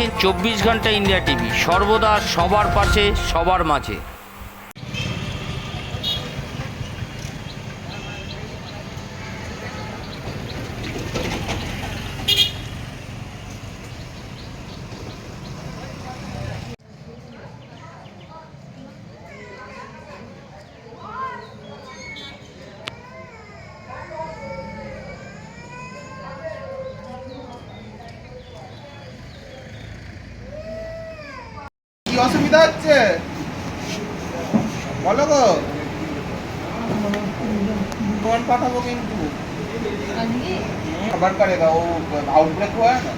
দেখছেন 24 ঘন্টা India TV, সর্বদা সবার পাশে সবার মাঝে। কি অসুবিধা হচ্ছে বলো গো, ফোন পাঠাবো কিন্তু खबर करेगा वो, आउटब्रेक हुआ है ना।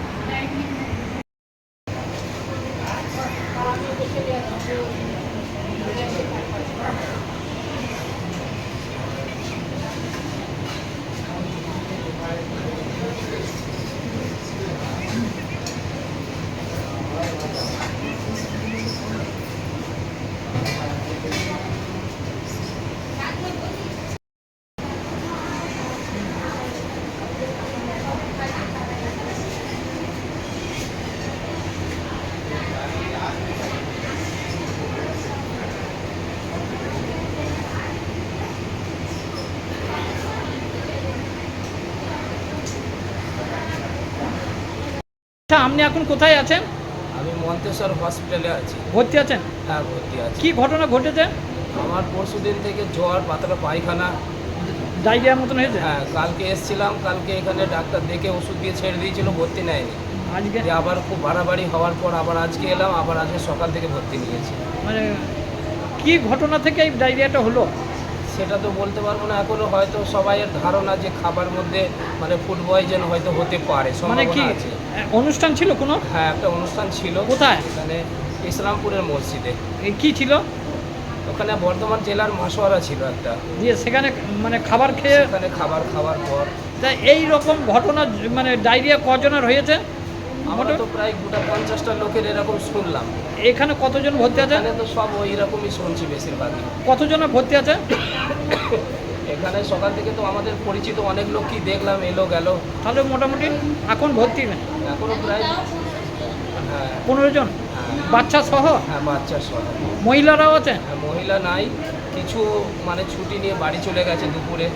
আচ্ছা, আপনি এখন কোথায় আছেন? আমি মন্তেশ্বর হসপিটালে আছি। ভর্তি আছেন? হ্যাঁ, ভর্তি আছি। কি ঘটনা ঘটেছে? আমার পরশুদিন থেকে জ্বর, পাতলা পায়খানা, ডায়রিয়ার মতন হয়েছে? হ্যাঁ। কালকে এসেছিলাম, কালকে এখানে ডাক্তার দেখে ওষুধ দিয়ে ছেড়ে দিয়েছিল, ভর্তি নেয়নি। আজকে দিয়ে আবার খুব বাড়াবাড়ি হওয়ার পর আবার আজকে এলাম, আবার আজকে সকাল থেকে ভর্তি নিয়েছি। মানে কি ঘটনা থেকে এই ডায়রিয়াটা হলো? সেটা তো বলতে পারবো না এখনো, হয়তো সবাইয়ের ধারণা যে খাবার মধ্যে মানে ফুড পয়জন হয়তো হতে পারে, মানে কি সম্ভাবনা আছে। অনুষ্ঠান ছিল কোনো? হ্যাঁ, একটা অনুষ্ঠান ছিল। কোথায়? এখানে ইসলামপুরের মসজিদে। কি ছিল ওখানে বর্ধমান জেলার মাসোয়ারা ছিল একটা, দিয়ে সেখানে মানে খাবার খেয়ে সেখানে খাবার খাওয়ার পর তা এই রকম ঘটনা মানে ডায়রিয়া কজনের হয়েছে? আমরা তো প্রায় গোটা 50টা লোকের এরকম শুনলাম। এখানে কতজন ভর্তি আছে? এখানে তো সব ওই রকমই শুনছি বেশিরভাগই। কতজনের ভর্তি আছে? এখানে সকাল থেকে তো আমাদের পরিচিত অনেক লোকই দেখলাম, এলো গেল। তাহলে মোটামুটি এখন ভর্তি না এখনো প্রায়, হ্যাঁ 15 জন, বাচ্চা সহ? হ্যাঁ, বাচ্চা সহ। মহিলারাও আছে? হ্যাঁ, মহিলা নাই, কিছু মানে ছুটি নিয়ে বাড়ি চলে গেছে দুপুরে।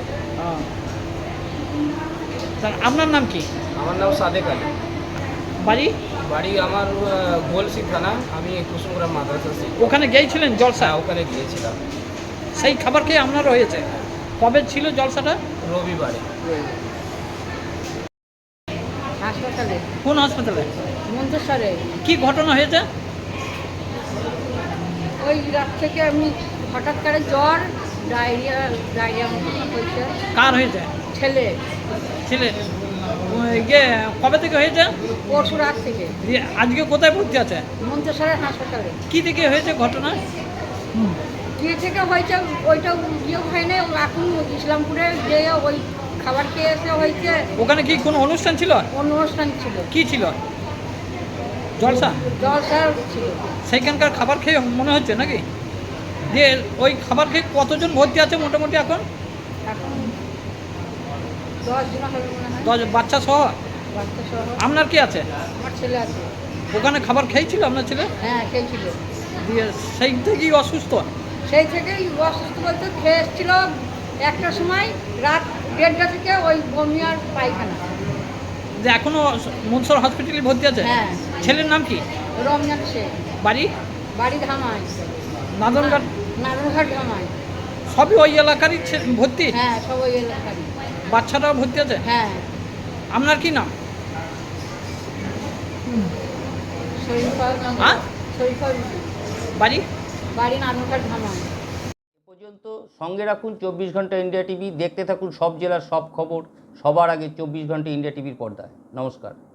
তা আপনার নাম কি? আমার নাম সাদেক আলী। বাড়ি? বাড়ি আমার গোলসি থানা। আমি কুসুমগ্রাম মাদ্রাসা শিক্ষক। ওখানে গিয়েছিলেন জলসা? হ্যাঁ, ওখানে গিয়েছিলাম। সেই খাবার খেয়ে আপনারও হয়েছে? কবে ছিল জলসাটা? রবিবারে। হাসপাতালে। কোন হাসপাতালে? মন্তেশ্বরে। কি ঘটনা হয়েছে? ওই রাত থেকে আমি হঠাৎ করে জ্বর, ডায়রিয়া মতো হয়েছে। কার হয়েছে? ছেলে। ছেলে? ইয়ে কবে থেকে হয়েছে? পরশু রাত থেকে। দিয়ে আজকে কোথায় ভর্তি আছে? মন্তেশ্বরের হাসপাতালে। কি থেকে হয়েছে ঘটনা? যে থেকে হয়েছে ওইটা ইয়ে হয় না, এখন ইসলামপুরে যে ওই খাবার খেয়ে এসে হয়েছে। ওখানে কি কোনো অনুষ্ঠান ছিল? অনুষ্ঠান ছিল। কি ছিল? জলসা? জলসা ছিল। সেইখানকার খাবার খেয়ে মনে হচ্ছে নাকি? দিয়ে ওই খাবার খেয়ে কতজন ভর্তি আছে মোটামুটি এখন? এখন 10 জন হবে মনে হয়। 10 বাচ্চা সহ? বাচ্চা সহ। আপনার কি আছে? আমার ছেলে আছে। ওখানে খাবার খেয়েছিল আপনার ছেলে? হ্যাঁ, খেয়েছিল। দিয়ে সেই থেকেই অসুস্থ? সেই থেকেই অসুস্থ বলতে খেয়ে এসেছিল একটার সময়, রাত 1:30টা থেকে ওই বমি আর পায়খানা। যে এখনো মনসর হসপিটালে ভর্তি আছে? হ্যাঁ। ছেলের নাম কি? রমজান শেখ। বাড়ি? বাড়ি ধামাই। নাদনঘাট? নারায়ণঘাট ধামাই। সবই ওই এলাকারই ভর্তি? হ্যাঁ, সব ওই এলাকারই। বাচ্চাটাও ভর্তি আছে? হ্যাঁ। আপনার কি নাম? শরীফা। হ্যাঁ? শরীফা। বাড়ি? বাড়ি নারায়ণঘাট ধামাই। এ পর্যন্ত সঙ্গে রাখুন 24 ঘন্টা ইন্ডিয়া টিভি, দেখতে থাকুন সব জেলার সব খবর সবার আগে 24 ঘন্টা ইন্ডিয়া টিভির পর্দায়। নমস্কার।